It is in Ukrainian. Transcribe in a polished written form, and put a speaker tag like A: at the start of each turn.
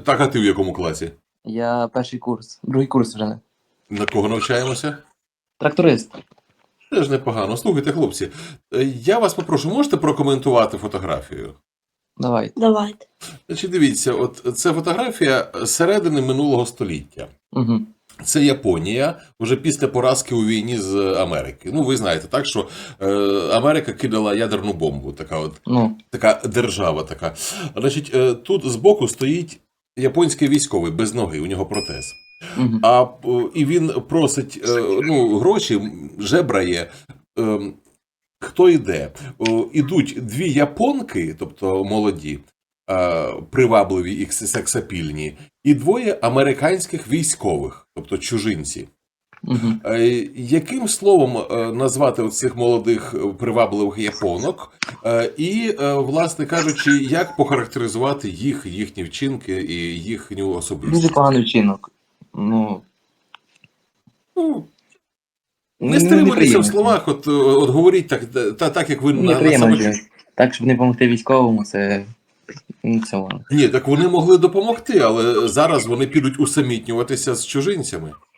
A: Так, а ти в якому класі?
B: Я перший курс, другий курс вже не.
A: На кого навчаємося?
B: Тракторист.
A: Теж непогано. Слухайте, хлопці, я вас попрошу, можете прокоментувати фотографію?
B: Давай.
C: Давайте.
A: Значить, дивіться, от це фотографія середини минулого століття.
B: Угу.
A: Це Японія вже після поразки у війні з Америки. Ну, ви знаєте, так, що Америка кидала ядерну бомбу, така держава така. Значить, тут збоку стоїть японський військовий без ноги, у нього протез.
B: Угу.
A: І він просить гроші, жебрає. Хто йде? Ідуть дві японки, тобто молоді, привабливі і сексапільні, і двоє американських військових, тобто чужинці.
B: Угу.
A: Яким словом назвати цих молодих привабливих японок? І, власне кажучи, як похарактеризувати їхні вчинки і їхню особистість?
B: Дуже поганий вчинок.
A: Не стримуйтеся в словах, от говоріть так, як ви на себе.
B: Так, щоб не допомогти військовому, це
A: Ні, так вони могли допомогти, але зараз вони підуть усамітнюватися з чужинцями.